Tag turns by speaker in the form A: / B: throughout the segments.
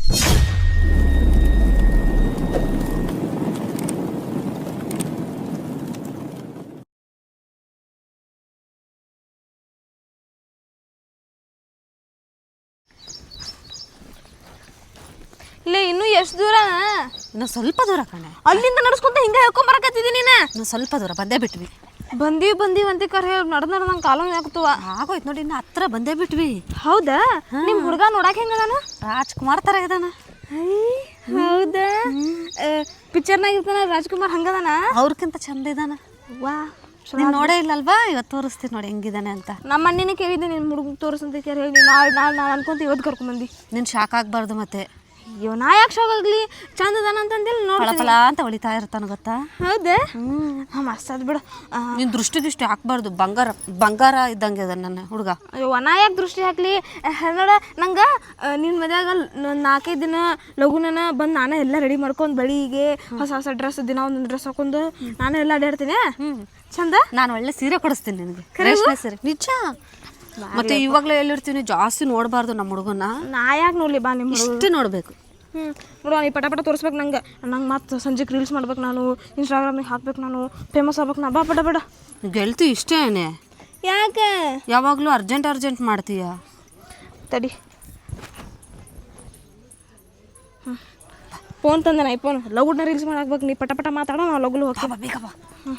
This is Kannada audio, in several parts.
A: ಇಲ್ಲ ಇನ್ನೂ ಎಷ್ಟು ದೂರ?
B: ಇನ್ನು ಸ್ವಲ್ಪ ದೂರ ಕಣೆ.
A: ಅಲ್ಲಿಂದ ನಡ್ಸ್ಕೊಂತ ಹಿಂಗ ಹೇಳ್ಕೊಂಬರಕತ್ತಿದ್ದೀನಿ ನೀನು.
B: ಇನ್ನು ಸ್ವಲ್ಪ ದೂರ ಬಂದೇ ಬಿಟ್ವಿ.
A: ಬಂದೀವಿ ಅಂತ ಕರೆ ನಡೆದ ನಂಗೆ ಕಾಲ ಆಗ್ತವ.
B: ಆಗೋಯ್ತು ನೋಡಿ, ಇನ್ನು ಹತ್ರ ಬಂದೇ ಬಿಟ್ವಿ.
A: ಹೌದಾ? ನಿಮ್ಮ ಹುಡುಗ ನೋಡಕ್ಕೆ ಹೆಂಗದಾನ?
B: ರಾಜ್ಕುಮಾರ್ ಥರ ಇದಾನ.
A: ಹೌದಾ? ಪಿಕ್ಚರ್ನಾಗ ಇರ್ತಾನ ರಾಜ್ಕುಮಾರ್ ಹಂಗದಾನ?
B: ಅವ್ರಕ್ಕಿಂತ ಚಂದ ಇದಾನ.
A: ವಾ,
B: ನೀನು ನೋಡೇ ಇಲ್ಲಲ್ವಾ? ಇವತ್ತು ತೋರಿಸ್ತೀನಿ ನೋಡಿ ಹೆಂಗಿದಾನೆ ಅಂತ.
A: ನಮ್ಮ ಅಣ್ಣಿನೇ ಕೇಳಿದ್ದೆ ನಿನ್ನ ಹುಡುಗ ತೋರಿಸಂತ ಕೇಳಿ ಹೇಳಿ ನಾನು ಅನ್ಕೊಂತ ಇವತ್ತು ಕರ್ಕೊಂಬಂದು.
B: ನೀನು ಶಾಕ್ ಆಗಬಾರ್ದು ಮತ್ತೆ.
A: ಅಯ್ಯೋ, ನಾ ಯಾಕೆ ಶಾಕ್ ಆಗಲಿ? ಚಂದ ಅದಾನ ಅಂತಂದೇಳಿ
B: ಫಳ ಅಂತ ಹೊಳಿತಾ ಇರ್ತಾನ ಗೊತ್ತಾ?
A: ಹೌದಾ? ಮಸ್ತ್ ಅದು ಬಿಡು.
B: ನೀನು ದೃಷ್ಟಿ ಹಾಕ್ಬಾರ್ದು. ಬಂಗಾರ ಇದ್ದಂಗೆ ಅದ ನನ್ನ ಹುಡುಗ.
A: ಅಯ್ಯೋ, ನಾ ಯಾಕೆ ದೃಷ್ಟಿ ಹಾಕ್ಲಿ? ನೋಡ, ನಂಗೆ ನಿನ್ನ ಮದ್ಯಾಗ 4-5 ದಿನ ಲಘುನ ಬಂದು ನಾನೇ ಎಲ್ಲ ರೆಡಿ ಮಾಡ್ಕೊಂಡು ಬಳಿಗೆ ಹೊಸ ಡ್ರೆಸ್, ದಿನ ಒಂದೊಂದು ಡ್ರೆಸ್ ಹಾಕೊಂಡು ನಾನು ಎಲ್ಲ ಅಡ್ಡಾಡ್ತೀನಿ. ಚಂದ.
B: ನಾನು ಒಳ್ಳೆ ಸೀರೆ ಕೊಡಿಸ್ತೀನಿ ನಿನಗೆ, ರೇಷ್ಮೆ ಸೀರೆ. ನಿಜ. ಮತ್ತೆ ಇವಾಗಲೇ ಎಲ್ಲಿರ್ತೀನಿ, ಜಾಸ್ತಿ ನೋಡಬಾರ್ದು ನಮ್ಮ ಹುಡುಗನ.
A: ನಾ ಯಾಕೆ ನೋಡಲಿ ಬಾ, ನಿಮ್ಮ
B: ಇಷ್ಟೇ ನೋಡಬೇಕು.
A: ನೋಡುವ, ನೀ ಪಟ ತೋರಿಸ್ಬೇಕು ನಂಗೆ. ಮತ್ತೆ ಸಂಜೆಗೆ ರೀಲ್ಸ್ ಮಾಡ್ಬೇಕು, ನಾನು ಇನ್ಸ್ಟಾಗ್ರಾಮಿಗೆ ಹಾಕ್ಬೇಕು, ನಾನು ಫೇಮಸ್ ಆಗ್ಬೇಕು. ನಾ ಬಾ ಪಟ.
B: ಗೆಲ್ತಿ ಇಷ್ಟೇನೆ?
A: ಯಾಕೆ
B: ಯಾವಾಗಲೂ ಅರ್ಜೆಂಟ್ ಮಾಡ್ತೀಯ?
A: ತಡಿ, ಫೋನ್ ತಂದೆ ನಾ. ಫೋನ್ ಲಗುಡ್ನ ರೀಲ್ಸ್ ಮಾಡಾಕ್ಬೇಕು. ನೀ ಪಟ ಮಾತಾಡೋ, ನಾವು ಲಗುಲು ಹೋಗ್ತೀವಿ.
B: ಬೇಗ ಬಾ.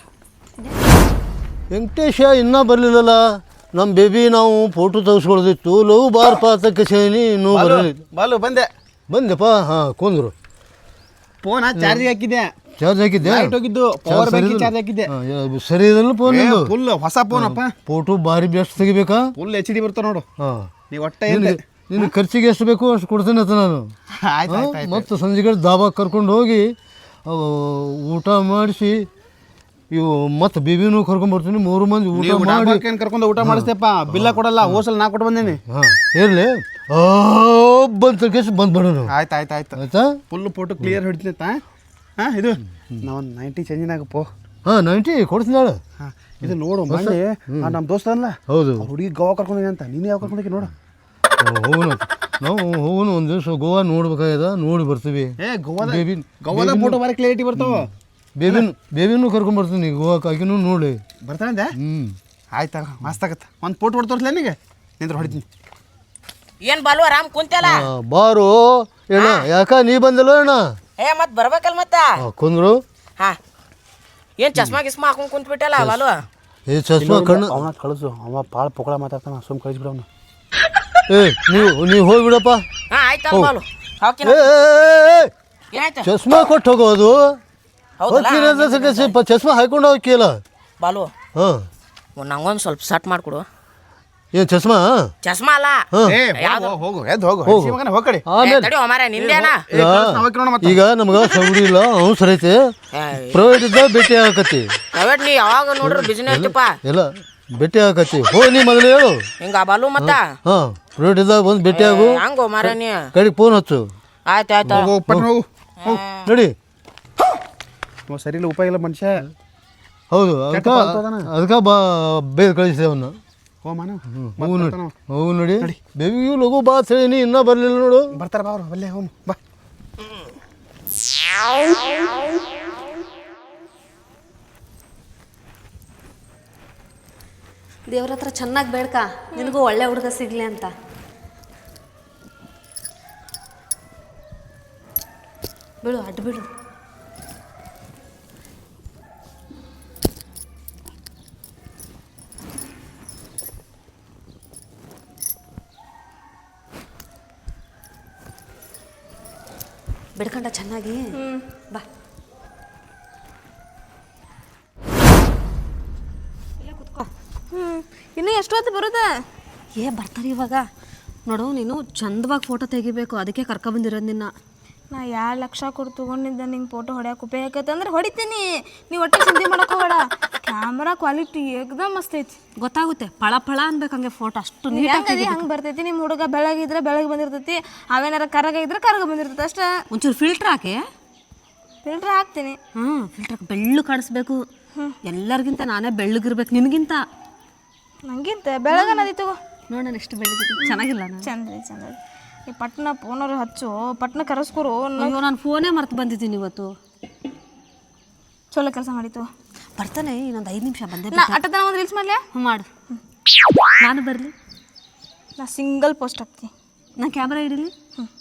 C: ವೆಂಕಟೇಶ ಇನ್ನೂ ಬರಲಿಲ್ಲಲ್ಲ. ನಮ್ಮ ಬೇಬಿ ನಾವು ಫೋಟೋ ತೆಗೆಸ್ಕೊಳ್ದಿತ್ತು. ಲವ್ ಬಾರ್ ಪಾತಕ್ಕೆ ಸೇನಿ ಇನ್ನೂ ಬರಲಿಲ್ಲ.
D: ಬಾಲು
C: ಬಂದೆಪ್ಪ. ಹಾಂ, ಕುಂದ್ರು.
D: ಫೋನ್ ಚಾರ್ಜ್ ಹಾಕಿದ್ದೆ.
C: ಚಾರ್ಜ್ ಹಾಕಿದ್ದೆ?
D: ಹೋಗಿದ್ದು ಪವರ್ ಬ್ಯಾಂಕ್ ಚಾರ್ಜ್ ಹಾಕಿದ್ದೆ.
C: ಸರಿ ಇದಲ್ಲ ಫೋನ್.
D: ಫುಲ್ ಹೊಸ ಫೋನ್ ಅಪ್ಪ.
C: ಫೋಟೋ ಭಾರಿ ಬೆಸ್ಟ್ ತೆಗಿಬೇಕಾ?
D: ಫುಲ್ HD ಬರ್ತಾವ ನೋಡು.
C: ಹಾಂ,
D: ನೀವು ಒಟ್ಟ
C: ನಿನ್ನ ಖರ್ಚಿಗೆ ಎಷ್ಟು ಬೇಕು ಅಷ್ಟು ಕೊಡ್ತೇನೆ ಅಂತ ನಾನು. ಮತ್ತು ಸಂಜೆಗಳು ದಾಬಾಗೆ ಕರ್ಕೊಂಡು ಹೋಗಿ ಊಟ ಮಾಡಿಸಿ ಇವು ಮತ್ತೆ ಬೇಬಿನೂ ಕರ್ಕೊಂಡ್ಬರ್ತೀನಿ. 3 ಮಂದಿ ಊಟ ಮಾಡಿ
D: ಕರ್ಕೊಂಡು ಊಟ ಮಾಡಿಸ್ತೇಪ್ಪ. ಬಿಲ್ಲ ಕೊಡಲ್ಲ. ಹೋಸಲ್ ನಾ ಕೊಟ್ಟು ಬಂದೇನಿ.
C: ಹಾಂ, ಇರಲಿ. ಬಂದು ಕೇಸ್ ಬಂದ್ಬಿಡೋಣ.
D: ಆಯ್ತು
C: ಆಯ್ತಾ?
D: ಫುಲ್ ಫೋಟೋ ಕ್ಲಿಯರ್ ಹಿಡಿತೈತಾ? ಹಾಂ, ಇದು ನಾವು 90 ಚೇಂಜಿನಾಗ ಪೋ.
C: ಹಾಂ, 90 ಕೊಡ್ತೀನಿ ನಾಳೆ.
D: ಹಾಂ, ಇದು ನೋಡು ಮಂದಿ. ನಮ್ಮ ದೋಸ್ತ ಅಲ್ಲ,
C: ಹೌದು,
D: ಹುಡುಗಿ ಗೋವಾ ಕರ್ಕೊಂಡಿದ್ದೀನಿ ಅಂತ. ನೀನು ಯಾವ ಕರ್ಕೊಂಡೋಗಿ ನೋಡು.
C: ಹೋಗೋಣ ನಾವು. ಒಂದು ದಿವಸ ಗೋವಾ ನೋಡ್ಬೇಕಾಗ್ಯದ, ನೋಡಿ ಬರ್ತೀವಿ.
D: ಗೋವಾದ ಫೋಟೋ ಬಾರಿ ಕ್ಲಿಯರಿಟಿ ಬರ್ತಾವ.
C: ಬೇಬಿನೂ ಕರ್ಕೊಂಡ್ಬರ್ತೀನಿ ಗೋವಾಕ್ಕೆ. ಆಕಿನೂ ನೋಡಿ
D: ಬರ್ತಾನೆ. ಆಯ್ತು, ಮಸ್ತ್ ಆಗತ್ತೆ. ಒಂದು ಫೋಟೋ ಹೊಡ್ ತೋರಿಸ್ಲ ನಿನಗೆ. ನಿಂದ್ರೆ ಹೊಡಿತೀನಿ.
E: ಏನ್ ಬಾಲು ಆರಾಮ್ ಕುಂತಲ್ಲ?
C: ಬಾರು ಏನ, ಯಾಕ ನೀ ಬಂದಿಲ್ಲ ಅಣ್ಣ?
E: ಮತ್ ಬರ್ಬೇಕಲ್ ಮತ್ತ.
C: ಕುಂದ್ರು.
E: ಹಾ, ಏನ್ ಚಸ್ಮಾ ಗಿಸ್ಮಾ ಹಾಕೊಂಡ್ ಕುಂತ್ ಬಿಟ್ಟಲ್ಲ ಬಾಲು?
C: ಏ ಚಸ್ಮಾ ಕಣ್ಣು
D: ಅವನ ಕಳಿಸು. ಅವ ಭಾಳ ಪೊಗಳ ಮಾತಾಡ್ತಾನ. ಸುಮ್ ಕಳಿಸ್ಬಿಡವನು.
C: ನೀವು ಹೋಗ್ಬಿಡಪ್ಪ.
E: ಹಾ, ಆಯ್ತಲ್ಲ ಬಾಲು. ಏನಾಯ್ತು?
C: ಚಸ್ಮಾ ಕೊಟ್ಟು ಹೋಗೋದು. ಚಸ್ಮಾ ಹಾಕೊಂಡು ಹೋಗಿಲ್ಲ
E: ಬಾಲು.
C: ಹಾಂ,
E: ನಂಗೊಂದು ಸ್ವಲ್ಪ ಸಟ್ ಮಾಡ್ಕೊಡು.
C: ಏನು ಚಸ್ಮಾ?
E: ಚಸ್ಮಾ ಅಲ್ಲ.
D: ಹೋಗು, ಎದ್ದು ಹೋಗಡಿ.
C: ಈಗ ನಮ್ಗೆ ಸೌಡಿ ಇಲ್ಲ, ಅವಸರ ಐತೆ. ಪ್ರೈವೇಟ್ ಇದ್ದ ಭೇಟಿ ಆಗಕತ್ತಿ.
E: ಪ್ರೈವೇಟ್ ನೀ ಯಾವಾಗ ನೋಡ್ರಿ ಬಿಸಿನೆಸ್
C: ಇಲ್ಲ, ಭೇಟಿ ಆಗಕತ್ತಿ. ನೀ ಮೊದಲು ಹೇಳು
E: ಹಿಂಗ ಬಾಲು. ಮತ್ತ
C: ಹಾಂ, ಪ್ರೈವೇಟ್ ಇದ್ದಾಗ ಬಂದು ಭೇಟಿ ಆಗು.
E: ಹಂಗೋ ಮಾರ ನೀ
C: ಕಡೆಗೆ ಫೋನ್ ಹಚ್ಚು.
E: ಆಯ್ತು.
C: ನೋಡಿ,
D: ಸರಿ ಇಲ್ಲ, ಉಪಾಯ ಇಲ್ಲ ಮನುಷ್ಯ.
C: ಹೌದು, ಅದಕ್ಕೆ ಬೇಗ ಕಳಿಸಿದೆ ಅವನ್ನ. ಹೂ ನೋಡಿ, ಬೇಬಿಗೂ ಲಘು ಬಾ ಹೇಳಿ ಇನ್ನೂ ಬರಲಿಲ್ಲ ನೋಡು.
D: ಬರ್ತಾರ ಬಾ ಅವ್ರು. ಬಲ್ಲೆ ಹೋನು ಬಾ.
B: ದೇವ್ರ ಹತ್ರ ಚೆನ್ನಾಗಿ ಬೇಡ್ಕ, ನಿನಗೂ ಒಳ್ಳೆ ಹುಡುಗ ಸಿಗ್ಲಿ ಅಂತ. ಬಿಡು, ಅಡ್ಡು ಬಿಡು. ಬಿಡ್ಕೊಂಡ ಚೆನ್ನಾಗಿ. ಬಾ.
A: ಇನ್ನೂ ಎಷ್ಟು ಹೊತ್ತು ಬರುತ್ತೆ?
B: ಬರ್ತಾರೆ ಇವಾಗ. ನೋಡು, ನೀನು ಚಂದವಾಗಿ ಫೋಟೋ ತೆಗಿಬೇಕು, ಅದಕ್ಕೆ ಕರ್ಕೊಬಂದಿರೋದು ನಿನ್ನ.
A: ನಾ 2 ಲಕ್ಷ ಕೊಟ್ಟು ತೊಗೊಂಡಿದ್ದೆ ನಿಂಗೆ ಫೋಟೋ ಹೊಡ್ಯಾಕೆ ಉಪಯೋಗ ಅಂದ್ರೆ ಹೊಡಿತೀನಿ. ನೀವು ಒಟ್ಟೆ ಚಿಂತೆ ಮಾಡೋಕೆ ಹೋಗಬೇಡ. ಕ್ಯಾಮ್ರಾ ಕ್ವಾಲಿಟಿ ಏಕದಮ್ ಮಸ್ತ್ ಐತಿ.
B: ಗೊತ್ತಾಗುತ್ತೆ, ಫಳ ಅನ್ಬೇಕು ಹಂಗೆ ಫೋಟೋ. ಅಷ್ಟು ನೀಟಾಗಿ
A: ಹಂಗೆ ಬರ್ತೈತಿ. ನಿಮ್ಮ ಹುಡುಗ ಬೆಳಗಿದ್ರೆ ಬೆಳಗ್ಗೆ ಬಂದಿರ್ತೈತಿ, ಅವೇನಾರ ಕರಗ ಇದ್ರೆ ಕರಗ ಬಂದಿರ್ತೈತಿ ಅಷ್ಟೇ. ಒಂಚೂರು
B: ಫಿಲ್ಟ್ರ್ ಹಾಕಿ.
A: ಫಿಲ್ಟ್ರ್ ಹಾಕ್ತೀನಿ.
B: ಫಿಲ್ಟ್ರ್ ಹಾಕಿ ಬೆಳ್ಳು ಕಾಣಿಸ್ಬೇಕು. ಎಲ್ಲರಿಗಿಂತ ನಾನೇ ಬೆಳ್ಳಗಿರ್ಬೇಕು ನಿನಗಿಂತ.
A: ನಂಗಿಂತ ಬೆಳಗ್ಗೆ ನದಿ ತಗೋ.
B: ನೋಡೋಣ ಎಷ್ಟು ಬೆಳ್ಳಗಿದ್ದೀನಿ. ಚೆನ್ನಾಗಿಲ್ಲ?
A: ಚಂದ. ಈ ಪಟ್ನ ಫೋನವ್ರು ಹಚ್ಚು ಪಟ್ನ ಕರೆಸ್ಕೊರು
B: ಅಯ್ಯೋ ನಾನು ಫೋನೇ ಮರ್ತು ಬಂದಿದ್ದೀನಿ ಇವತ್ತು.
A: ಚಲೋ ಕೆಲಸ ಮಾಡಿತ್ತು.
B: ಬರ್ತಾನೆ ಇನ್ನೊಂದು 5 ನಿಮಿಷ ಬಂದೆ.
A: ನಾ ಅಟ್ಟತನ ಒಂದು ರೀಲ್ಸ್ ಮಾಡ್ಲ್ಯಾ?
B: ಮಾಡು. ನಾನು ಬರಲಿ?
A: ನಾ ಸಿಂಗಲ್ ಪೋಸ್ಟ್ ಹಾಕ್ತೀನಿ.
B: ನಾ ಕ್ಯಾಮ್ರಾ ಹಿಡೀಲಿ?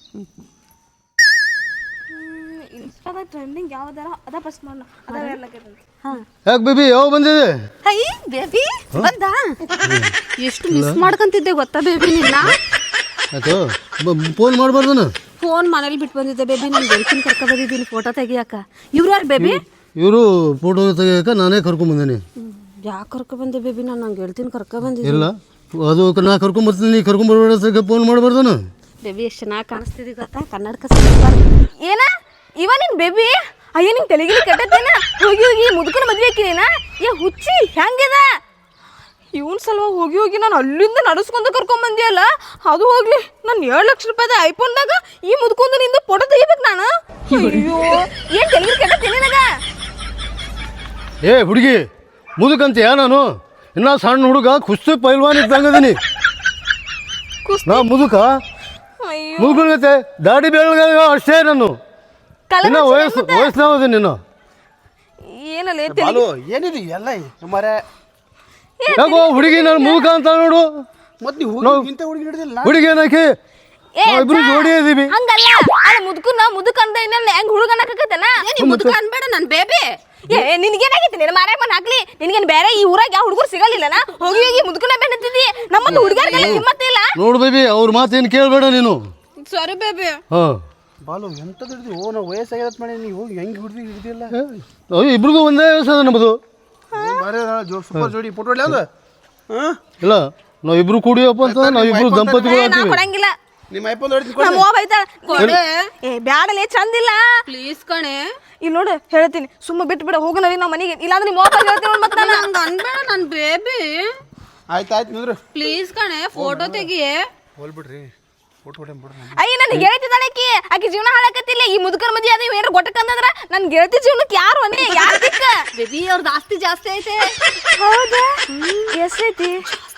A: ಇನ್ಸ್ಟಾದಾಗ ಟ್ರೆಂಡಿಂಗ್ ಯಾವ್ದಾರ ಅದ ಫಸ್ಟ್ ಮಾಡೋಣ. ಅದ
B: ಹಾಂ.
C: ಯಾಕೆ ಬೇಬಿ ಯಾವ ಬಂದಿದೆ?
B: ಹೈ ಬೇಬಿ ಬಂದ. ಎಷ್ಟು ಮಿಸ್ ಮಾಡ್ಕೊಂತಿದ್ದೆ ಗೊತ್ತಾ ಬೇಬಿ ನಿನ್ನ.
C: ಆಯ್ತು ಫೋನ್ ಮಾಡಬಾರ್ದನ.
B: ಫೋನ್ ಮನೇಲಿ ಬಿಟ್ಟು ಬಂದಿದ್ದೆ ಬೇಬಿ. ನಾನು ಗೆಳತಿನ ಕರ್ಕೊ ಬಂದಿದ್ದೀನಿ ಫೋಟೋ ತೆಗಿಯಾಕ. ಇವ್ರು ಯಾರು ಬೇಬಿ?
C: ಇವರು ಫೋಟೋ ತೆಗಿಯಕ್ಕೆ ನಾನೇ ಕರ್ಕೊಂಬಂದೇನೆ.
B: ಯಾಕೆ ಕರ್ಕೊ ಬಂದೆ ಬೇಬಿ? ನಾನು ನಂಗೆ ಗೆಳತಿನ ಕರ್ಕೊ ಬಂದಿದ್ದೆ.
C: ಇಲ್ಲ ಅದು ನಾ ಕರ್ಕೊಂಬರ್ತೀನಿ, ನೀ ಕರ್ಕೊಂಬರ್ಬೇಡ ಫೋನ್ ಮಾಡಬಾರ್ದನ.
B: ಬೇಬಿ ಎಷ್ಟು ಚೆನ್ನಾಗಿ ಕಾಣಿಸ್ತಿದ್ದಿ ಗೊತ್ತಾ? ಕನ್ನಡಕ
A: ಏನ ಇವ ನಿನ್ ಬೇಬಿ? ಅಯ್ಯ ನಿಂಗೆ ತೆಲಿಗಿಲಿ ಕೆಟ್ಟತ್ತೇನ? ಹೋಗಿ ಹೋಗಿ ಮುದುಕನ ಮದ್ವೆ ಹಾಕಿನೇನ? ಏ ಹುಚ್ಚಿ ಹೆಂಗಿದ? ಇವನ್ ಸಲುವಾಗಿ ಹೋಗಿ ಹೋಗಿ ನಾನು ಅಲ್ಲಿಂದ ನಡೆಸ್ಕೊಂಡು ಕರ್ಕೊಂಬಂದಿಯಲ್ಲ. ಅದು ಹೋಗ್ಲಿ, ನಾನು 7 ಲಕ್ಷ ರೂಪಾಯಿದ ಐಫೋನ್ದಾಗ ಈ ಮುದ್ಕೊಂಡು ನಿಂದ ಫೋಟೋ ತೆಗಿಬೇಕು ನಾನು. ಅಯ್ಯೋ ಏನ್ ತೆಲಿಗಿಲಿ ಕೆಟ್ಟತ್ತೇನೆ ನನಗ?
C: ಏ ಹುಡುಗಿ ಮುದುಕಂತೀಯ? ನಾನು ಇನ್ನ ಸಣ್ಣ ಹುಡುಗ ಕುಸ್ತಿ ಪೈಲ್ವಾನ್ ಇದ್ದಂಗದೀನಿ. ನಾ ಮುದುಕ?
A: ಅಯ್ಯೋ
C: ಮುದುಕಂಗತ್ತೆ ದಾಡಿ ಬೆಳಗ ಅಷ್ಟೇ. ನಾನು ಇನ್ನ ವಯಸ್ಸಿನಾವದೀನಿ. ನೀನು
A: ಏನಲ್ಲ
D: ಬಾಲು ಏನಿದು ಎಲ್ಲ ಮರೆ?
C: ಯಾಕೋ ಹುಡುಗಿ ನಾನು ಮುದುಕ ಅಂತ ನೋಡು.
D: ಮತ್ತೆ ನೀವು ಇಂಥ ಹುಡುಗಿ ಹಿಡಿದಿಲ್ಲ.
C: ಹುಡುಗಿ ಏನಾಕಿ ಇಬ್ರು ಜೋಡಿ ಇದೀವಿ.
A: ಹಂಗಲ್ಲ ಮುದುಕನ ಮುದುಕ ಅಂತ ಇನ್ನೊಂದು ಹೆಂಗ್ ಹುಡುಗ ಅನ್ನಕತ್ತೇನ?
B: ಮುದುಕ ಅನ್ಬೇಡ ನನ್ನ ಬೇಬಿ.
A: ಏ ನಿನಗೇನಾಗೈತಿ? ನಿನ್ನ ಮಾರಾಯ ಮನ್ ಹಾಕ್ಲಿ. ನಿನಗೇನು ಬೇರೆ ಈ ಊರಾಗ ಯಾವ ಹುಡುಗರು ಸಿಗಲಿಲ್ಲನ? ಹೋಗಿ ಹೋಗಿ ಮುದುಕನ ಬೆನ್ನತ್ತಿದ್ದಿ. ನಮ್ಮಂತ ಹುಡುಗರಿಗೆಲ್ಲ ಹಿಮ್ಮತ್ತಿಲ್ಲ.
C: ನೋಡು ಬೇಬಿ ಅವ್ರ ಮಾತೇನು ಕೇಳಬೇಡ ನೀನು.
B: Sorry baby.
C: ಹಾಂ
D: ಬಾಲು ಎಂಥದ್ದು ಹಿಡಿದು? ಓ ನಾವು ವಯಸ್ಸಾಗಿರತ್ ಮಾಡಿ ನೀವು ಹೋಗಿ ಹೆಂಗೆ ಹಿಡಿದಿಲ್ಲ?
C: ಇಬ್ರಿಗೂ ಒಂದೇ ವಯಸ್ಸು ಅದ ನಮ್ಮದು.
D: ಸೂಪರ್ ಜೋಡಿ ಫೋಟೋ ಹೊಡ್ಲಿ ಅದು. ಹಾಂ
C: ಇಲ್ಲ ನಾವು ಇಬ್ರು ಕೂಡಿಯಪ್ಪ ಅಂತ ನಾವು ಇಬ್ರು ದಂಪತಿಗಳು
A: ನಾ
C: ಆಗ್ತೀವಿ.
A: ಕೊಡಂಗಿಲ್ಲ.
D: ನಿಮ್ಮ ಐಫೋನ್ ಹೊಡ್ತೀನಿ.
A: ನಮ್ಮ ಅವ್ವ ಬೈತಾಳ. ಏ ಬ್ಯಾಡಲೇ ಚಂದಿಲ್ಲ.
B: ಪ್ಲೀಸ್ ಕಣೆ.
A: ಇಲ್ಲಿ ನೋಡು ಹೇಳ್ತೀನಿ, ಸುಮ್ಮ ಬಿಟ್ಟು ಬಿಡ ಹೋಗು ನವಿ ನಾವು ಮನೆಗೆ. ಇಲ್ಲಾಂದ್ರೆ ನಿಮ್ಮ ಅವ್ವ ಹೇಳ್ತೀನಿ ಮತ್ತೆ ನಾನು.
B: ಹಂಗೆ ಅನ್ಬೇಡ ನನ್ನ ಬೇಬಿ.
D: ಆಯ್ತು ಆಯ್ತು ನಿಂದ್ರು.
B: ಪ್ಲೀಸ್ ಕಣೆ ಫೋಟೋ ತೆಗಿಯೇ.
D: ಹೋಲ್ಬಿಡ್ರಿ ಫೋಟೋ ಹೊಡ್ಬಿಡ್ರಿ.
A: ಅಯ್ಯ ನನ್ನ ಗೆಳತಿದಾಳೆ ಆಕಿ ಜೀವನ ಹಾಳಾಕತ್ತಿಲ್ಲ. ಈ ಮುದುಕರ ಮದ್ವೆ ಅದ ಏನಾರ ಗೊಟ್ಟಕ್ಕಂದ್ರ ನನ್ನ ಗೆಳತಿ ಜೀವನಕ್ಕೆ ಯಾರು ಅನ್ನೇ ಯಾರು ದಿಕ್ಕ?
B: ಬೇಬಿ ಅವ್ರದ್ದು ಆಸ್ತಿ ಜಾಸ್ತಿ ಐತೆ.
A: ಹೌದಾ? ಎಷ್ಟೈತಿ?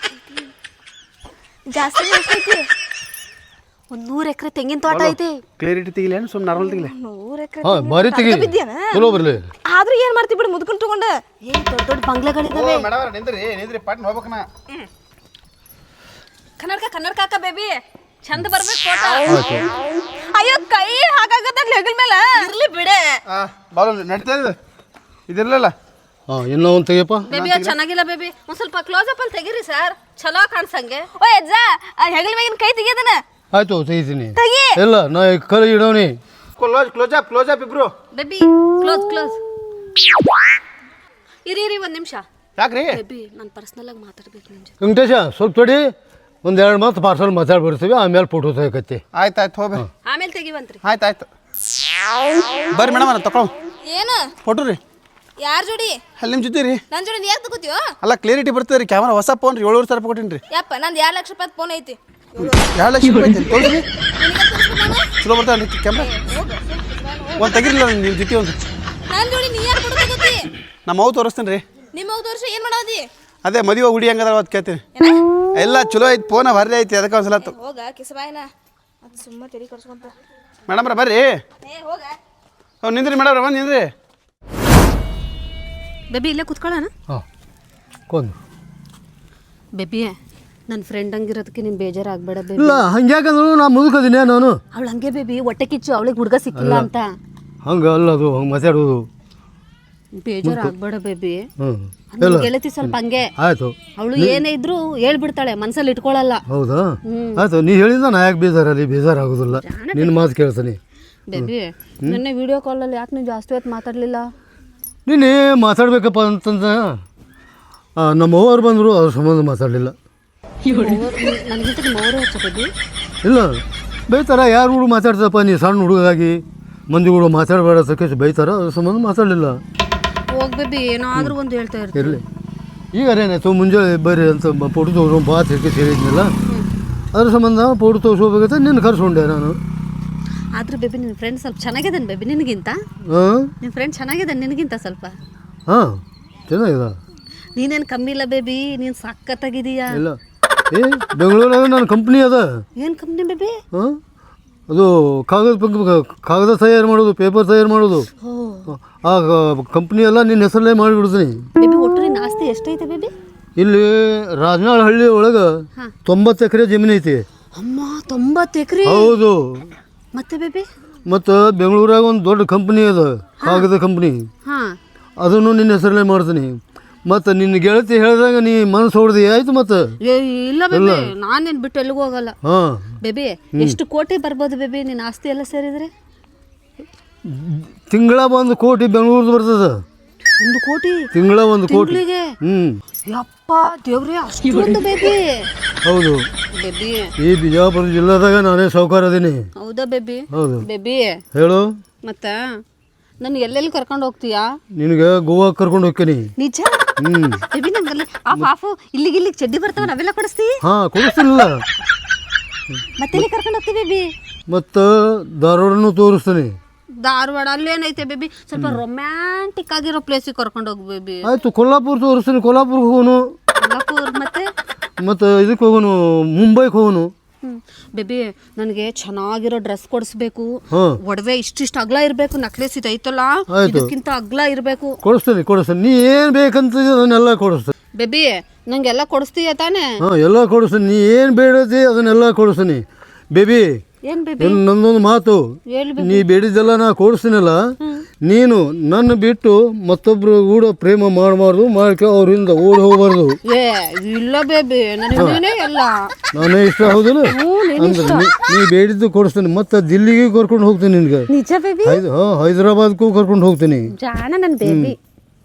A: ಜಾಸ್ತಿ ಎಷ್ಟೈತಿ?
B: 100 ಎಕರೆ ತೆಂಗಿನ ತೋಟ ಐತಿ.
D: ಕ್ಲಿಯರಿಟಿ ತೆಗಿಲ್ಲ ಏನು ಸುಮ್ಮನೆ ನಾರ್ಮಲ್ ತೆಗಿಲ್ಲ?
A: 100 ಎಕರೆ
C: ಹಾಂ ಬಾರಿ ತೆಗಿ ಚಲೋ ಬರಲಿ.
A: ಆದ್ರೂ ಏನ್ ಮಾಡ್ತಿ ಬಿಡು ಮುದುಕನ್ ತಗೊಂಡ.
B: ಏನ್ ದೊಡ್ಡ ದೊಡ್ಡ ಬಂಗ್ಲೆಗಳಿದಾವೆ.
D: ಮೇಡಮ್ ನಿಂದ್ರಿ ಪಾಟ್ನ ಹೋಗ್ಬೇಕನ.
B: ಕನ್ನಡಕ ಹಾಕ ಬೇಬಿ. ಚಂದ ಬರ್ಬೇಕು ಫೋಟೋ.
A: ಅಯ್ಯೋ ಕೈ ಹಾಕಾಗತ್ತ ಹೆಗಲ್ ಮೇಲೆ.
B: ಇರ್ಲಿ ಬಿಡೆ
D: ಬಾಲು ನಡೀತಾ ಇದೆ ಇದಿರಲಿಲ್ಲ.
C: ಹಾಂ ಇನ್ನೂ ಒಂದು ತೆಗಿಯಪ್ಪ.
B: ಬೇಬಿ ಅದು ಚೆನ್ನಾಗಿಲ್ಲ ಬೇಬಿ. ಒಂದ್ ಸ್ವಲ್ಪ ಕ್ಲೋಸ್ ಅಪ್ ಅಲ್ಲಿ ತೆಗೀರಿ ಸರ್, ಚಲೋ ಕಾಣಿಸಂಗೆ.
A: ಓ ಅಜ್ಜ ಹೆಗಲ್ ಮ್ಯಾಗಿನ ಕೈ ತೆಗಿಯದನ.
C: ಆಯ್ತು ತೆಗಿತೀನಿ.
A: ತೆಗಿ.
C: ಇಲ್ಲ ನಾ ಕೈ ಇಡೋನಿ.
D: ಕ್ಲೋಸ್ ಅಪ್ ಇಬ್ರು.
B: Baby close. ಇರಿ ಒಂದ್ ನಿಮಿಷ.
D: ಯಾಕ್ರಿ?
B: ಬೇಬಿ ನಾನು ಪರ್ಸನಲ್ ಆಗಿ ಮಾತಾಡ್ಬೇಕು ನಿನ್ ಜೊತೆ.
C: ವೆಂಕಟೇಶ ಸ್ವಲ್ಪ ತಡಿ, ಒಂದು 2 ಮಾತು ಪಾರ್ಸಲ್ ಮಾತಾಡ್ಬಿಡ್ತೀವಿ, ಆಮೇಲೆ ಫೋಟೋ ತೆಗಕತ್ತಿ.
D: ಆಯ್ತು ಹೋಗ್ರಿ.
B: ಆಮೇಲೆ ತೆಗಿವಂತ್ರಿ.
D: ಆಯ್ತು ಬರ್ರಿ ಮೇಡಮ್ ನಾನು ತಗೊಳ್
A: ಏನು
D: ಫೋಟೋ ರೀ.
A: ಯಾರ್ ಜೋಡಿ?
D: ಅಲ್ಲಿ ನಿಮ್ಮ ಜೊತೆ ರೀ.
A: ನನ್ನ ಜೋಡಿ ಯಾಕೆ ತಗೋತೀವೋ?
D: ಅಲ್ಲ ಕ್ಲಿಯರಿಟಿ ಬರ್ತದೆ ರೀ. ಕ್ಯಾಮ್ರಾ ಹೊಸ ಫೋನ್ ರೀ, 7,000 ರೂಪಾಯಿ ಕೊಟ್ಟಿನಿ ರೀ.
A: ಯಪ್ಪ ನಂದು 2 ಲಕ್ಷ ರೂಪಾಯಿ ಫೋನ್ ಐತಿ.
D: 2 ಲಕ್ಷ ರೂಪಾಯಿ ತೊಗೊಳ್ರಿ. ಚಲೋ ಬರ್ತಾವೆ ಕ್ಯಾಮ್ರಾ. ಒಂದು ತೆಗಿರಿಲ್ಲ ನಿಮ್ಮ ಜೊತೆ ಒಂದು.
A: ನನ್ನ ಜೋಡಿ ನೀ ಯಾರು ಫೋಟೋ ತಗೋತಿ?
D: ನಮ್ಮ ಅವು ತೋರಿಸ್ತೀನಿ ರೀ.
A: ನಿಮ್ಮ ಹೋಗಿ ತೋರಿಸಿ ಏನು ಮಾಡೋದಿ?
D: ಅದೇ ಮದುವೆ ಹುಡಿ ಹೆಂಗದ ಅವತ್ತು ಕೇಳ್ತೀನಿ. ಎಲ್ಲ ಚಲೋ ಐತಿ, ಫೋನ ಭಾರಿ ಐತಿ, ಅದಕ್ಕೆ ಒಂದ್ಸಲ
A: ಹೋಗ ಕಿಸಬಾಯಿನ ಅದು ಸುಮ್ಮ ತೆರಿ ಕರ್ಸ್ಕೊಂತ.
D: ಮೇಡಮ್ರ ಬರ್ರಿ.
A: ಹೋಗ
D: ಅವ್ನು ನಿಂದ್ರಿ ಮೇಡಮ್ರ ಬಂದು ನಿಂದ್ರಿ.
B: ಬೇಬಿ ಇಲ್ಲೇ ಕುತ್ಕೊಳ್ಳೋಣ.
C: ಹಾಂ ಕೊಂದು.
B: ಬೇಬಿ ನನ್ನ ಫ್ರೆಂಡ್ ಹಂಗಿರೋದಕ್ಕೆ ನೀನು ಬೇಜಾರಾಗಬೇಡ ಬೇಬಿ.
C: ಇಲ್ಲ ಹಂಗ್ಯಾಕಂದ್ರು ನಾ ಮುದುಕದಿನಿ ನಾನು.
B: ಅವಳು ಹಂಗೆ ಬೇಬಿ, ಹೊಟ್ಟೆ ಕಿಚ್ಚು, ಅವಳಿಗೆ ಹುಡುಗ ಸಿಕ್ಕಿಲ್ಲ ಅಂತ.
C: ಹಂಗೆ ಅಲ್ಲ ಅದು ಹಂಗೆ ಮಾತಾಡೋದು.
B: ಬೇಜಾರಾಗಬೇಡ ಬೇಬಿ.
C: ಇಲ್ಲ
B: ಗೆಳತಿ ಸ್ವಲ್ಪ ಹಂಗೆ.
C: ಆಯಿತು.
B: ಅವಳು ಏನೇ ಇದ್ರು ಹೇಳ್ಬಿಡ್ತಾಳೆ, ಮನ್ಸಲ್ಲಿ ಇಟ್ಕೊಳ್ಳಲ್ಲ.
C: ಹೌದಾ? ಆಯಿತು, ನೀ ಹೇಳಿದ ನಾ ಯಾಕೆ ಬೇಜಾರಾಗೋದಿಲ್ಲ. ನಿನ್ನ ಮಾತು ಕೇಳ್ತಾನೆ.
B: ಬೇಬಿ ನಿನ್ನೆ ವಿಡಿಯೋ ಕಾಲಲ್ಲಿ ಯಾಕೆ ನೀವು ಜಾಸ್ತಿ ಹೊತ್ತು ಮಾತಾಡಲಿಲ್ಲ?
C: ನೀನೇ ಮಾತಾಡ್ಬೇಕಪ್ಪ ಅಂತಂದ ನಮ್ಮ ಅವ್ರು ಬಂದರು, ಅದ್ರ ಸಂಬಂಧ ಮಾತಾಡಲಿಲ್ಲ.
B: ನನಗಿಂತ ನಿಮ್ಮ ಅವರೇ ಹೆಚ್ಚು ಬೇಬಿ.
C: ಇಲ್ಲ ಬೈತಾರ, ಯಾರು ಹುಡುಗ ಮಾತಾಡ್ತಪ್ಪ, ನೀ ಸಣ್ಣ ಹುಡುಗಾಗಿ ಮಂದಿ ಹುಡುಗ ಮಾತಾಡಬೇಡ ಸಕೇಶ್ ಬೈತಾರ, ಅದ್ರ ಸಂಬಂಧ ಮಾತಾಡಲಿಲ್ಲ.
B: ಹೋಗಿ ಬೇಬಿ ಏನಾದರೂ ಒಂದು ಹೇಳ್ತಾ ಇರ್ತೀವಿ.
C: ಇರಲಿ ಈಗ ಏನಾಯ್ತು, ಮುಂಜಾನೆ ಬರ್ರಿ ಅಂತ ಫೋಟೋ ತೋರಿಸೋ ಬಾ ತಿರ್ಗಿ ಹೇಳಿದ್ನಲ್ಲ, ಅದ್ರ ಸಂಬಂಧ ಫೋಟೋ ತೋರಿಸ್ಕೋಬೇಕಂತ ನಿನ್ನ ಕರ್ಸ್ಕೊಂಡೆ ನಾನು.
B: ಆದ್ರೆ ಬೇಬಿ ನಿನ್ನ ಫ್ರೆಂಡ್ ಸ್ವಲ್ಪ ಚೆನ್ನಾಗಿದ್ದಾನೆ ಬೇಬಿ ನಿನಗಿಂತ.
C: ಹಾಂ
B: ನಿನ್ನ ಫ್ರೆಂಡ್ ಚೆನ್ನಾಗಿದ್ದಾನೆ ನಿನಗಿಂತ ಸ್ವಲ್ಪ.
C: ಹಾಂ ಚೆನ್ನಾಗಿದೆ.
B: ನೀನೇನು ಕಮ್ಮಿ ಇಲ್ಲ ಬೇಬಿ, ನೀನು ಸಖತ್ತಾಗಿದೀಯಾ.
C: ಇಲ್ಲ ಏ ಬೆಂಗಳೂರಾಗ ನನ್ನ ಕಂಪ್ನಿ ಅದ.
B: ಏನು ಕಂಪ್ನಿ ಬೇಬಿ?
C: ಹಾಂ ಅದು ಕಾಗದ ತಯಾರು ಮಾಡೋದು, ಪೇಪರ್ ತಯಾರು ಮಾಡೋದು. ಆ ಕಂಪ್ನಿ ಎಲ್ಲ ನಿನ್ನ ಹೆಸರಲ್ಲೇ ಮಾಡಿಬಿಡ್ತೀನಿ.
B: ಬೇಬಿ ಒಟ್ಟು ನಿನ್ನ ಆಸ್ತಿ ಎಷ್ಟೈತೆ ಬೇಬಿ?
C: ಇಲ್ಲಿ ರಾಜನಾಳಹಳ್ಳಿ ಒಳಗೆ 90 ಎಕರೆ ಜಮೀನು ಐತಿ.
B: ಅಮ್ಮ 90 ಎಕರೆ?
C: ಹೌದು.
B: ಮತ್ತೆ ಬೇಬಿ?
C: ಮತ್ತು ಬೆಂಗಳೂರಾಗ ಒಂದು ದೊಡ್ಡ ಕಂಪ್ನಿ ಅದ, ಕಾಗದ ಕಂಪ್ನಿ.
B: ಹಾಂ,
C: ಅದನ್ನು ನಿನ್ನ ಹೆಸರಲ್ಲೇ ಮಾಡ್ತೀನಿ. ಮತ್ತು ನಿನ್ನ ಗೆಳತಿ ಹೇಳಿದಾಗ ನೀ ಮನಸ್ಸು ಹೊಡೆದಿ ಆಯ್ತು. ಮತ್ತು
B: ಇಲ್ಲ ಬೇಬಿ, ನಾನೇನು ಬಿಟ್ಟು ಎಲ್ಲಿಗೂ ಹೋಗಲ್ಲ.
C: ಹಾಂ
B: ಬೇಬಿ, ಎಷ್ಟು ಕೋಟಿ ಬರ್ಬೋದು ಬೇಬಿ ನಿನ್ನ ಆಸ್ತಿ ಎಲ್ಲ ಸೇರಿದ್ರೆ?
C: ತಿಂಗಳ 1 ಕೋಟಿ ಬೆಂಗಳೂರ್ದು ಬರ್ತದ.
B: 1 ಕೋಟಿ
C: ತಿಂಗಳ 1 ಕೋಟಿ.
B: ತಿಂಗಳಿಗೆ?
C: ಹ್ಞೂ.
B: ಯಪ್ಪ ದೇವ್ರೆ, ಅಷ್ಟೊಂದು ಬೇಬಿ?
C: ಹೌದು
B: ಬೇಬಿ,
C: ಈ ಬಿಜಾಪುರ ಜಿಲ್ಲಾದಾಗ ನಾನೇ ಸಾಹುಕಾರ ಅದೀನಿ.
B: ಹೌದಾ ಬೇಬಿ?
C: ಹೌದು.
B: ಬೇಬಿ
C: ಹೇಳು.
B: ಮತ್ತ ನನ್ ಎಲ್ಲೆಲ್ಲಿ ಕರ್ಕೊಂಡು ಹೋಗ್ತೀಯಾ?
C: ನಿನಗೆ ಗೋವಾಗೆ ಕರ್ಕೊಂಡು ಹೋಗ್ತೀನಿ.
B: ನಿಜ?
C: ಹ್ಞೂ.
B: ಬೇಬಿ ನಂಗಲ್ಲಿ ಆ ಪಾಪು ಇಲ್ಲಿಗೆ ಚಡ್ಡಿ ಬರ್ತಾವ, ನಾವೆಲ್ಲ ಕೊಡಿಸ್ತಿ?
C: ಹಾಂ ಕೊಡಿಸ್ತೀನಿಲ್ಲ.
B: ಮತ್ತೆ ಕರ್ಕೊಂಡು ಹೋಗ್ತೀವಿ ಬೇಬಿ?
C: ಮತ್ತು ಧಾರವಾಡನೂ ತೋರಿಸ್ತೀನಿ.
B: ಧಾರವಾಡ ಅಲ್ಲೇನೈತೆ ಬೇಬಿ? ಸ್ವಲ್ಪ ರೊಮ್ಯಾಂಟಿಕ್ ಆಗಿರೋ ಪ್ಲೇಸಿಗೆ ಕರ್ಕೊಂಡು ಹೋಗಿ ಬೇಬಿ.
C: ಆಯಿತು, ಕೊಲ್ಲಾಪುರ ತೋರಿಸ್ತೀನಿ. ಕೊಲ್ಲಾಪುರ್ಗೆ ಹೋಗೋನು.
B: ಕೊಲ್ಲಾಪುರ್
C: ಮತ್ತು ಇದಕ್ಕೆ ಹೋಗೋನು, ಮುಂಬೈಗೆ ಹೋಗೋನು.
B: ಬೇಬಿ ನನಗೆ ಚೆನ್ನಾಗಿರೋ ಡ್ರೆಸ್ ಕೊಡಿಸ್ಬೇಕು.
C: ಹಾಂ.
B: ಒಡವೆ ಇಷ್ಟಿಷ್ಟು ಅಗ್ಲ ಇರಬೇಕು, ನಕ್ಲೆಸ್ ಇದು ಐತಲ್ಲ ಇದಕ್ಕಿಂತ ಅಗ್ಲ ಇರಬೇಕು.
C: ಕೊಡಿಸ್ತೀನಿ. ನೀ ಏನು ಬೇಕಂತ ಅದನ್ನೆಲ್ಲ ಕೊಡಿಸ್ತೀನಿ.
B: ಬೇಬಿ ನಂಗೆಲ್ಲ ಕೊಡಿಸ್ತೀಯ ತಾನೇ?
C: ಹಾಂ ಎಲ್ಲ ಕೊಡಿಸ್ತೀನಿ. ನೀ ಏನು ಬೇಡತಿ ಅದನ್ನೆಲ್ಲ ಕೊಡಿಸ್ತೀನಿ. ಬೇಬಿ
B: ಏನ್ ಬೇಬಿ?
C: ನನ್ನೊಂದು ಮಾತು, ನೀ ಬೇಡಿದ್ದೆಲ್ಲ ನಾ ಕೊಡಿಸ್ತೀನಲ್ಲ, ನೀನು ನನ್ನ ಬಿಟ್ಟು ಮತ್ತೊಬ್ರು ಕೂಡ ಪ್ರೇಮ ಮಾಡಬಾರ್ದು, ಮಾಡ್ಕೊ ಅವ್ರಿಂದ ಓಡಿ ಹೋಗ್ಬಾರ್ದು.
B: ಏ ಇಲ್ಲ ಬೇಬಿ, ನನಗೆ ನೀನೇ ಎಲ್ಲ.
C: ನಾನೇ ಇಷ್ಟ ಹೌದಿಲ್ಲ ಅಂದ್ರೆ ನೀ ಬೇಡಿದ್ದು ಕೊಡಿಸ್ತೀನಿ. ಮತ್ತೆ ದಿಲ್ಲಿಗೆ ಕರ್ಕೊಂಡು ಹೋಗ್ತೀನಿ ನಿನ್ಗೆ.
B: ನಿಜ ಬೇಬಿ?
C: ಹೈದರಾಬಾದ್ಗೂ ಕರ್ಕೊಂಡು ಹೋಗ್ತೀನಿ.
B: ಜಾಣ ನನ್ನ ಬೇಬಿ.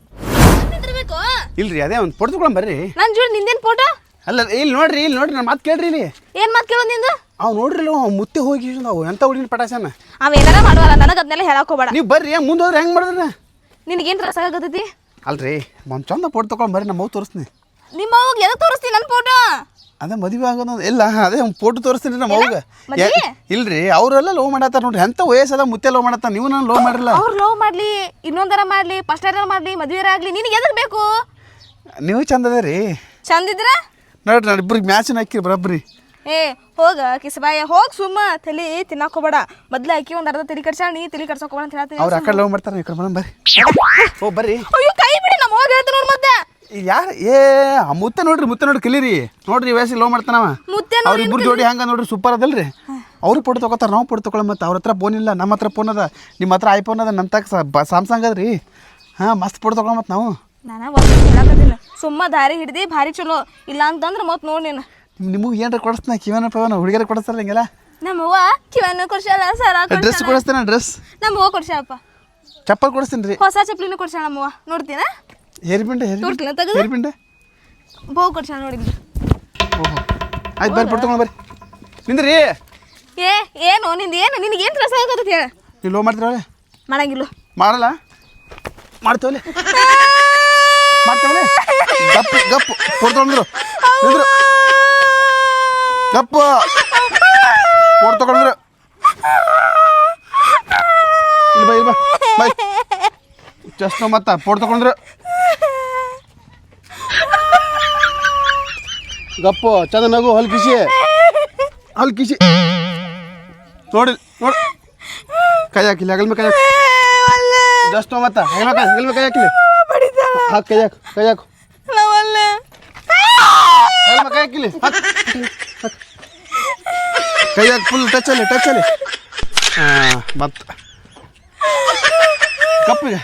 D: ಇಲ್ರಿ ಅದೇ ಒಂದು ಫೋಟೋ ತಗೊಳಂ ಬರ್ರಿ.
A: ನನ್ನ ಜೋಡಿ ನಿಂದೇನು ಫೋಟೋ?
D: ಅಲ್ಲ ಇಲ್ಲಿ ನೋಡ್ರಿ ನನ್ನ ಮಾತು ಕೇಳ್ರಿ. ಇಲ್ಲಿ
A: ಏನು ಮಾತು ಕೇಳೋದು ನಿಂದು?
D: ಅವ್ ನೋಡ್ರಿ ಮುತ್ತೆ ಹೋಗಿ ನಾವು ಎಂತ ಹುಡುಗಿನ ಪಟಾಸನ.
A: ಅವ ಏನಾರ ಮಾಡುವಲ್ಲ, ನನಗೆ ಅದನ್ನೆಲ್ಲ ಹೇಳಕ್ ಹೋಗ್ಬೇಡ.
D: ನೀವು ಬರ್ರಿ, ಮುಂದೆ ಹೋದ್ರೆ ಹೆಂಗೆ ಮಾಡಿದ್ರೆ?
A: ನಿನಗೇನು ತ್ರಾಸ ಆಗತೈತಿ?
D: ಅಲ್ರಿ ಒಂದು ಚಂದ ಫೋಟೋ ತಗೊಂಡ್ ಬರ್ರಿ, ನಮ್ಮ ಮಗು ತೋರಿಸ್ತೀನಿ.
A: ನಿಮ್ಮ ಅವ್ಗೆ ಎದಕ್ಕೆ ತೋರಿಸ್ತೀನಿ ನನ್ನ ಫೋಟೋ?
D: ಅದೇ ಮದುವೆ ಆಗೋದು ಇಲ್ಲ, ಅದೇ ಫೋಟೋ ತೋರಿಸ್ತೀನಿ ನಮ್ಮ ಮಗುಗೆ. ಇಲ್ರಿ ಅವರೆಲ್ಲ ಲವ್ ಮಾಡತ್ತಾರ ನೋಡ್ರಿ. ಎಂತ ವಯಸ್ಸದ ಮುತ್ತೆ ಲವ್ ಮಾಡತ್ತ, ನೀವು ನಾನು ಲವ್ ಮಾಡಿರಲ್ಲ.
A: ಅವ್ರು ಲವ್ ಮಾಡ್ಲಿ, ಇನ್ನೊಂದರ ಮಾಡ್ಲಿ, ಫಸ್ಟ್ ಇಯರ್ ಮಾಡ್ಲಿ, ಮದುವೆ ಆಗ್ಲಿ, ನಿನಗೆ ಎದಕ್ಕೆ ಬೇಕು?
D: ನೀವು ಚಂದ ಅದೇ ರೀ.
A: ಚಂದಿದ್ರ
D: ನೋಡ್ರಿ ನಾನು ಇಬ್ಬರಿಗೆ ಮ್ಯಾಚಿನ ಹಾಕಿ ಬರಬ್ರಿ.
A: ಏ ಹೋಗ ಕಿಸಬಾಯ ಹೋಗಿ ಸುಮ್ಮ ತಲೆ ತಿನ್ನಾಕ ಹೋಗ್ಬೇಡ. ಮೊದ್ಲು ಆಕಿ ಒಂದು ಅರ್ಧ ತಲೆ ಕಡ್ಸಾಳ, ನೀ ತಲೆ ಕಡ್ಸೋಕೆ ಹೋಗ್ಬೇಡ ಅಂತ ಹೇಳ್ತೀನಿ.
D: ಅವ್ರು ಆ ಕಡೆ ಲವ್ ಮಾಡ್ತಾರೆ, ಈ ಕಡೆ ಬರೋಣ ಬರ್ರಿ. ಓ ಬರ್ರಿ.
A: ಅಯ್ಯೋ ಕೈ ಬಿಡಿ, ನಮ್ಮ ಹೋಗಿ ಹೇಳ್ತೀನಿ ನೋಡಿ. ಮತ್ತೆ
D: ಯಾರು ಆ ಮುತ್ತೆ ನೋಡ್ರಿ ಕಲೀರಿ. ನೋಡ್ರಿ ವಯಸ್ಸಿಗೆ ಲವ್ ಮಾಡ್ತಾನವ. ಅವ್ರಿಬ್ರು ಜೋಡಿ ಹಂಗ ನೋಡ್ರಿ ಸೂಪರ್ ಅದಲ್ರಿ. ಅವ್ರು ಫೋಟೋ ತಗೋತಾರ, ನಾವು ಫೋಟೋ ತಗೊಳ. ಮತ್ತೆ ಅವ್ರ ಹತ್ರ ಫೋನ್ ಇಲ್ಲ, ನಮ್ಮ ಹತ್ರ ಫೋನ್ ಅದ. ನಿಮ್ಮ ಹತ್ರ ಐಫೋನ್ ಅದ, ನಮ್ಮ ತಕ್ಕ ಸ್ಯಾಮ್ಸಂಗ್ ಅದ್ರಿ. ಹಾಂ ಮಸ್ತ್ ಫೋಟೋ ತಗೊಳ. ಮತ್ತೆ ನಾವು
A: ನಾನು ಒಂದು ಹೇಳಕತ್ತೀನಿ, ಸುಮ್ಮ ದಾರಿ ಹಿಡ್ದು ಭಾರಿ ಚಲೋ. ಇಲ್ಲ ಅಂತಂದ್ರೆ ಮತ್ತೆ ನೋಡಿ ನೀನು
D: ನಿಮಗೆ ಏನಾರ ಕೊಡಿಸ್ತಾನ, ಕಿವನ ಪವನ ಹುಡುಗಿಯರ ಕೊಡಿಸ್ತಾರ ಹಿಂಗೆಲ್ಲ.
A: ನಮ್ಮವ್ವ ಕಿವನ್ನ ಕೊಡ್ಸಾಳ, ಸರ
D: ಡ್ರೆಸ್ ಕೊಡಿಸ್ತೇನೆ. ಡ್ರೆಸ್
A: ನಮ್ಮವ್ವ ಕೊಡ್ಸಾಳಪ್ಪ.
D: ಚಪ್ಪಲ್ ಕೊಡಿಸ್ತೀನಿ ರೀ.
A: ಹೊಸ ಚಪ್ಪಲಿನ ಕೊಡ್ಸಾಳ ನಮ್ಮವ್ವ. ನೋಡ್ತೀನ?
D: ಹೇರ್ಪಿಂಡೆ ಹೇರ್ಪಿಂಡೆ
A: ಬಹು ಕೊಡ್ಸಾಳ ನೋಡಿದ್ವಿ.
D: ಓಹೋ ಆಯ್ತು ಬರ್ರಿ, ಫೋಟೋ ತಗೊಂಡು ಬರ್ರಿ. ನಿಂದ್ರಿ.
A: ಏನು ನಿನಗೇನು ತ್ರಾಸ ಆಗತ್ತೆ ಹೇಳ?
D: ನೀವು ಲೋ ಮಾಡ್ತೀರಲ್ಲ?
A: ಮಾಡಂಗಿಲ್ಲ.
D: ಮಾಡಲ್ಲ? ಮಾಡ್ತೇವಲ್ಲ ಗಪ್ಪು ಫೋಟೋ ತಗೊಂಡ್ರು ನಿಂದ್ರು. ಗಪ್ಪು ಫೋಟೋ ತಗೊಂಡ್ರು. ಇಲ್ಲ ಬೈ ಜಸ್ಟ್ ಮತ್ತೆ ಫೋಟೋ ತಗೊಂಡ್ರು. ಗಪ್ಪು ಚಂದ ನಗು. ಹಲ್ಕಿಸಿ ನೋಡಿ ಕೈ ಹಾಕಿಲ್ಲ ಹಗಲ್ ಮೇಲೆ ಕೈ ಹಾಕಿ. ಜಸ್ಟ್ ಮತ್ತೆ ಹಗಲ್ ಮೇಲೆ ಕೈ ಹಾಕಿಲ್ಲ. ಹಾಕಿ ಕೈ ಹಾಕು ಕೈ ಹಾಕು ಕೈ ಹಾಕಿಲಿ. ಕೈ ಹಾಕಿ ಫುಲ್ ಟಚ್ ಅಲ್ಲಿ. ಹಾಂ ಮತ್ತೆ ಕಪ್ಪಿಗೆ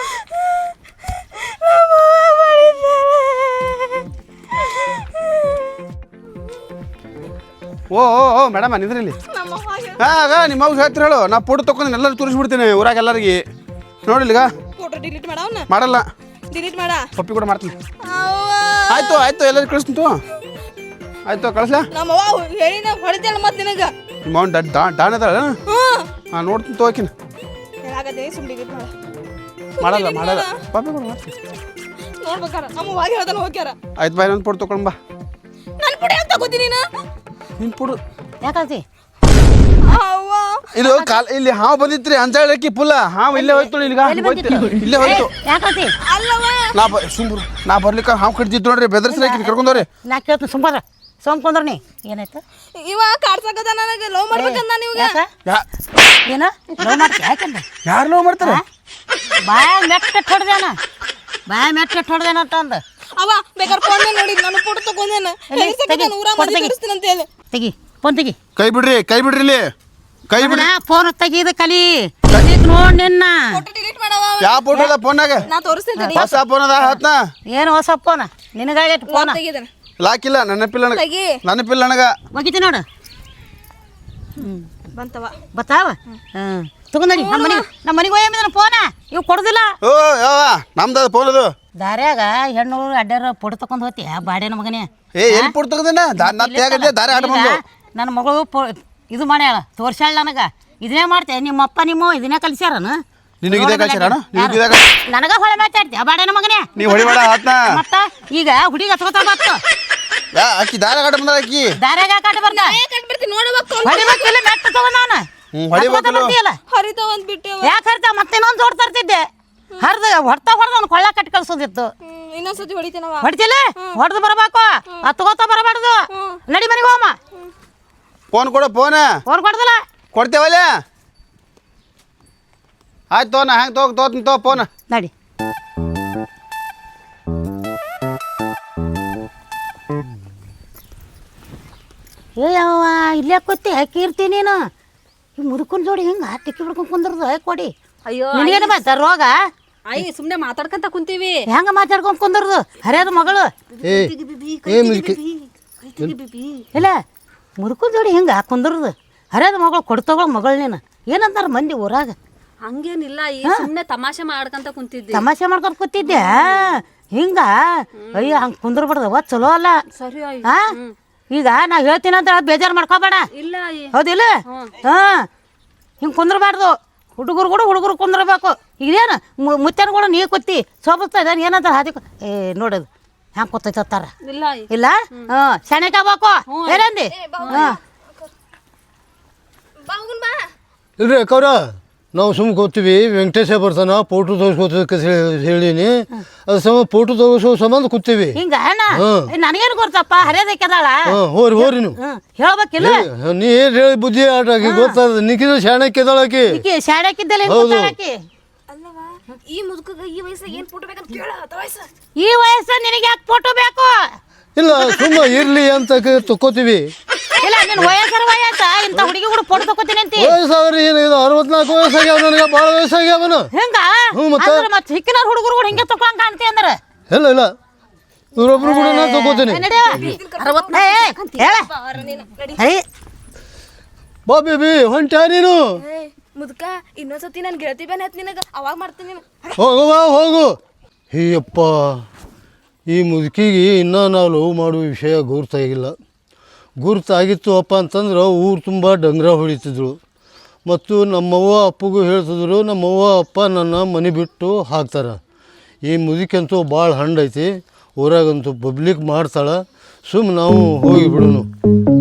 D: ಓ ಮೇಡಮ್ ನಿದ್ರಲ್ಲಿ. ಹಾಂ ನಿಮ್ಮ ಮಗು ಹೇಳ್ತೀರ ಹೇಳು. ನಾ ಫೋಟೋ ತೊಗೊಂಡು ಎಲ್ಲರೂ ತೋರಿಸ್ಬಿಡ್ತೀನಿ ಊರಾಗ ಎಲ್ಲರಿಗೆ. ನೋಡಿಲ್ಲ
A: ಫೋಟೋ ಡಿಲೀಟ್ ಮಾಡವನ್ನ
D: ಮಾಡಲ್ಲ.
A: ಡಿಲೀಟ್ ಮಾಡ.
D: ಪಪ್ಪಿ ಕೂಡ ಮಾಡ್ತೀನಿ. ಆಯ್ತು ಎಲ್ಲರೂ ಕಳಿಸ್ತು. ಆಯ್ತು ಕಳಿಸ್ಲಾ?
A: ನಮ್ಮವ್ವ ಹೇಳಿ ನಾ ಹೊಡಿತೇಳ ಮತ್ತೆ ನಿನಗೆ.
D: ನಿಮ್ಮ ಅವ್ನು ಡಾನ್ ಅದಾಳ. ಹಾಂ ನೋಡ್ತೀನಿ ತೋಕಿನ.
A: ಹೇಳಾಗತ್ತೆ ಸುಮ್ಮನೆ ಡಿಲೀಟ್ ಮಾಡ.
D: ಮಾಡಲ್ಲ ಪಪ್ಪಿ ಕೂಡ ಮಾಡ್ತೀನಿ.
A: ನೋಡ್ಬೇಕಾರ ನಮ್ಮ ವಾಗಿ ಹೇಳ್ತಾನೆ ಹೋಗ್ಯಾರ.
D: ಆಯ್ತು ಬಾಯ್ ನನ್ನ ಫೋಟೋ ತೊಗೊಂಡು ಬಾ.
A: ನನ್ನ ಫೋಟೋ ಯಾಕೆ ತಗೋತೀನಿ ನೀನು?
D: ನಿನ್ನ ಫೋಟೋ
B: ಯಾಕಂತಿ?
D: ಇದು ಇಲ್ಲಿ ಹಾವು ಬಂದಿತ್ರಿ ಅಂಜಾಳಕ್ಕಿ ಪುಲ್ಲ. ಹಾವು ಇಲ್ಲೇ ಹೋಯ್ತು. ಇಲ್ಲೇ ಹೋಯ್ತು.
A: ಅಲ್ಲವ
D: ನಾ ಬರ್ಲಿಕ್ಕೆ ಹಾವು ಕಡ್ದಿತ್ತು ನೋಡ್ರಿ. ಬೆದರ್ಸ್ರಿ ಕರ್ಕೊಂಡವ್ರಿ.
F: ನಾ ಕೇಳ್ತೀನಿ ಸುಂಬಾರ ಸೋಮ್ಕೊಂಡ್ರ ನೀ ಏನಾಯ್ತು
A: ಇವ ಕಾಡ್ಸಕದ ನನಗೆ ಲವ್ ಮಾಡ್ಬೇಕಂದ ನೀವು
F: ಯಾಕ ಏನ ಲವ್ ಮಾಡ್ತೀಯ ಯಾಕಂದ
D: ಯಾರು ಲವ್ ಮಾಡ್ತಾರೆ
F: ಬಾಯ ಮೆಟ್ಟ ಹೊಡ್ದೇನ ಬಾಯ ಮೆಟ್ಟ ಹೊಡ್ದೇನ ಅಂತ ಅಂದ
A: ಅವ ಬೇಕಾದ್ರೆ ಫೋನ್ ನೋಡಿ ನಾನು ಫೋಟೋ ತಗೊಂಡೇನ ಊರ ಮನೆ ತೋರಿಸ್ತೀನಿ ಅಂತ ಹೇಳಿ
F: ತೆಗಿ ಫೋನ್ ತೆಗಿ
D: ಕೈ ಬಿಡ್ರಿ ಇಲ್ಲಿ ಕೈ ಬಿಡ್ರಿ
F: ಫೋನ್ ತೆಗೀದ ಕಲಿ ನೋಡ್ ನಿನ್ನ
A: ಫೋಟೋ ಡಿಲೀಟ್ ಮಾಡವ
D: ಯಾವ ಫೋಟೋ ಅದ ಫೋನ್ನಾಗ
A: ನಾ ತೋರಿಸ್ತೀನಿ
D: ಹೊಸ ಫೋನ್ ಅದ ಹತ್ನ
F: ಏನು ಹೊಸ ಫೋನ ನಿನಗಾಗೆ ಫೋನ
A: ತೆಗಿದನ
D: ಲಾಕಿಲ್ಲ ನೆನಪಿಲ್ಲ ನನಗೆ
A: ತೆಗಿ
D: ನೆನಪಿಲ್ಲ ನನಗ
F: ಒಗಿತಿ ನೋಡು
A: ಬಂತವ
F: ಬತ್ತಾವ ತಗೊಂಡಿ ನಮ್ಮ ಮನೆಗೆ ಹೋಗಿದ್ದಾನ ಫೋನ ಇವ್ ಕೊಡುದಿಲ್ಲ
D: ಓ ಯಾವ ನಮ್ದು ಫೋನ್ ಅದು
F: ದಾರ್ಯಾಗ ಹೆಣ್ಣು ಅಡ್ಡಾರ ಫೋಟೋ ತಕೊಂಡ್ ಹೋಗ್ತೀಯ ಬಾಡ್ಯಾನ ಮಗನೇ
D: ಎಲ್ಲಿ ಫೋಟೋ ತಗದೇನ ದಾರಿ ಆಟ ಬಂದು
F: ನನ್ನ ಮಗಳು ಇದು ಮಾಡ್ಯಾಳ ತೋರ್ಸ್ಯಾಳ ನನಗ ಇದನ್ನೇ ಮಾಡ್ತೇವೆ ನಿಮ್ಮಪ್ಪ ನಿಮ್ಮ ಇದನ್ನೇ ಕಲಿಸ್ಯಾರನ
D: ನಿನಗಿದೆ ಕಳ್ಸ್ಯಾರಣ
F: ನನಗ ಹೊಳೆ ಮಾತಾಡ್ತೀಯ ಬಾಡ್ಯಾನ ಮಗನೇ
D: ನೀ ಹೊಡಿಬೇಡ ಹತ್ನ
F: ಮತ್ತ ಈಗ ಹುಡುಗಿ ಹಚ್ಕೋತಾ ಬತ್ತು
D: ಆಕಿ ದಾರಿ ಆಟ ಬಂದ ಆಕಿ
F: ದಾರ್ಯಾಗ ಕಾಟ ಬರ್ತ
A: ಕಟ್ಬಿಡ್ತೀನಿ ನೋಡಬೇಕು
F: ಹೊಡಿಬೇಕಿಲ್ಲ ಮೆಟ್ಟ ತಗೊಂಡ್ ನಾನು
D: ಹೊಡಿಬೇಕಲ್ಲ
A: ಹರಿತಾವ ಅಂತ ಬಿಟ್ಟೆವ
F: ಯಾಕೆ ಹರ್ತ ಮತ್ತೆ ಇನ್ನೊಂದು ಜೋಡ್ ತರ್ತಿದ್ದೆ ಹರ್ದ ಹೊಡ್ತಾ ಅವ್ನು ಕೊಳ್ಳ ಕಟ್ಟಿ ಕಳ್ಸೋದಿತ್ತು
A: ಇನ್ನೊಂದ್ಸತಿ ಹೊಡಿತೀನವ
F: ಹೊಡಿತಿಲ್ಲ ಹೊಡೆದು ಬರಬೇಕು ಹತ್ಕೋತಾ ಬರಬಾರ್ದು ನಡಿ ಮನೆಗೆ ಹೋಮ
D: ಫೋನ್ ಕೊಡು ಫೋನ್
F: ಅವ್ರು ಕೊಡ್ದಲ್ಲ
D: ಕೊಡ್ತೇವಲ್ಲ ಆಯ್ತು ತೋ ನಾ ಹೆಂಗೆ ತೋತೀನಿ ತೋ ಫೋನ್
F: ನಡಿ ಏ ಯಾವ ಇಲ್ಲೇ ಕೂತಿ ಹಾಕಿರ್ತೀನಿ ನೀನು ಈ ಮುದುಕನ್ ಜೋಡಿ ಹಿಂಗೆ ಟಿಕ್ಕಿ ಬಿಡ್ಕೊಂಡು ಕುಂದ್ರದು ಕೊಡಿ
B: ಅಯ್ಯೋ
F: ನಿನಗೇನು ಬಾಯ್ತ ರೋಗ
B: ಆಯಿ ಸುಮ್ಮನೆ ಮಾತಾಡ್ಕೊಂತ ಕುಂತೀವಿ
F: ಹೆಂಗ ಮಾತಾಡ್ಕೊಂಡು ಕುಂದ್ರದು ಹರಿಯದ ಮಗಳು ಇಲ್ಲ ಮುದುಕನ್ ಜೋಡಿ ಹಿಂಗೆ ಕುಂದ್ರದು ಹರಿಯದ ಮಗಳು ಕೊಡ್ತಗಳ ಮಗಳು ನೀನು ಏನಂತಾರ ಮಂದಿ ಊರಾಗ
B: ಹಂಗೇನಿಲ್ಲ ಈ ಸುಮ್ಮನೆ ತಮಾಷೆ ಮಾಡ್ಕೊಂತ ಕುಂತಿದ್ವಿ
F: ತಮಾಷೆ ಮಾಡ್ಕೊಂಡು ಕೂತಿದ್ದೆ ಹಿಂಗ ಅಯ್ಯ ಹಂಗೆ ಕುಂದ್ರಬಾರ್ದವ ಚಲೋ ಅಲ್ಲ
B: ಸರಿ ಆಯಿ
F: ಹಾ ಈಗ ನಾ ಹೇಳ್ತೀನಿ ಅಂತ ಬೇಜಾರು ಮಾಡ್ಕೋಬೇಡ
B: ಇಲ್ಲ ಆಯಿ
F: ಹೌದಿಲ್ಲ ಹಾ ಹಿಂಗೆ ಕುಂದ್ರಬಾರ್ದು ಹುಡುಗರು ಕುಂದ್ರಬೇಕು ಇದೇನು ಮುತ್ತನ ಕೂಡ ನೀ ಕೂತಿ ಸೋಬಸ್ತಾ ಇದ್ದಾನೆ ಏನಂತ ಹಾದಿ ಏ ನೋಡೋದು ಹ್ಯಾಂಗೆ ಕೂತೈತಾರ
B: ಇಲ್ಲ ಆಯಿ
F: ಇಲ್ಲ ಸೆಣೆಕ್ ಆಗ್ಬೇಕು ಏನಂದಿ ಹಾಂ
C: ಇಲ್ರಿ ಅಕ್ಕವ್ರ ನಾವು ಸುಮ್ಮ ಕೂತೀವಿ ವೆಂಕಟೇಶ ಬರ್ತಾನ ಫೋಟೋ ತೋರಿಸ್ಕೋತಕ್ಕೆ ಹೇಳೀನಿ ಅದು ಫೋಟೋ ತೋರಿಸೋ ಸಂಬಂಧ ಕೂತೀವಿ
F: ಹಿಂಗ ನನಗೇನು ಗೊತ್ತಪ್ಪ ಹರಿಯೋದಕ್ಕೆದಾಳ
C: ಹೋರಿ ನೀವು
F: ಹೇಳ್ಬೇಕಿಲ್ಲ
C: ನೀ ಏನು ಹೇಳಿ ಬುದ್ಧಿ ಆಟ ಆಕಿ ಗೊತ್ತಾದ ನಿಕ್ಕಿನ ಶಾಣಕ್ಕಿದ್ದಾಳ ಆಕಿ
F: ಶಾಣಕ್ಕಿದ್ದಲ್ಲ
A: ಅಲ್ಲವ ಈ ಮುದುಕಗ ಈ ವಯಸ್ಸಾಗ ಏನ್ ಫೋಟೋ ಬೇಕಂತ ಕೇಳ ವಯಸ್ಸ
F: ಈ ವಯಸ್ಸ ನಿನಗೆ ಯಾಕೆ ಫೋಟೋ ಬೇಕು
C: ಇಲ್ಲ ಸುಮ್ಮ ಇರ್ಲಿ ಅಂತ ತಕ್ಕೋತೀವಿ
F: ಇಲ್ಲ ನಿನ್ನ ವಯಸ್ಸರ ವಯಸ್ಸ ಇಂಥ ಹುಡುಗಿ ಕೂಡ ಫೋಟೋ ತಗೋತೀನಿ ಅಂತ
C: ವಯಸ್ಸಾದ್ರೆ ಏನಾಗಿದೆ 64 ವಯಸ್ಸಾಗ್ಯಾವ ನನಗೆ ಭಾಳ ವಯಸ್ಸಾಗ್ಯಾವನ
F: ಹೆಂಗ ಮತ್ತೆ ಹಿಕ್ಕಿನ ಹುಡುಗರು ಕೂಡ ಹಿಂಗೆ ತಕೊಂಡ್ ಕಾಣ್ತಿ ಅಂದ್ರೆ
C: ಇಲ್ಲ ಇವ್ರೊಬ್ರು ಕೂಡ ನಾನು ತಗೋತೀನಿ ಬಾ ಬೇಬಿ ಹೊಂಟ್ಯಾ ನೀನು
A: ಮುದುಕ ಇನ್ನೊಂದ್ಸತಿ ನನ್ ಗೆಳತಿ ಬೇನೆ ಹತ್ ನಿನಗ ಅವಾಗ ಮಾಡ್ತೀನಿ
C: ಹೋಗು ಹೀಯಪ್ಪ ಈ ಮುದುಕಿಗೆ ಇನ್ನೂ ನಾವು ಲವ್ ಮಾಡುವ ವಿಷಯ ಗುರುತಾಗಿತ್ತು ಅಪ್ಪ ಅಂತಂದ್ರೆ ಊರು ತುಂಬ ಡಂಗ್ರ ಹೊಡಿತಿದ್ರು ಮತ್ತು ನಮ್ಮವ್ವ ಅಪ್ಪಗೂ ಹೇಳ್ತಿದ್ರು ನಮ್ಮವ್ವ ಅಪ್ಪ ನನ್ನ ಮನೆ ಬಿಟ್ಟು ಹಾಕ್ತಾರೆ ಈ ಮುದುಕಂತೂ ಭಾಳ ಹಂಡೈತಿ ಊರಾಗಂತೂ ಪಬ್ಲಿಕ್ ಮಾಡ್ತಾಳೆ ಸುಮ್ಮನೆ ನಾವು ಹೋಗಿ ಬಿಡೋನು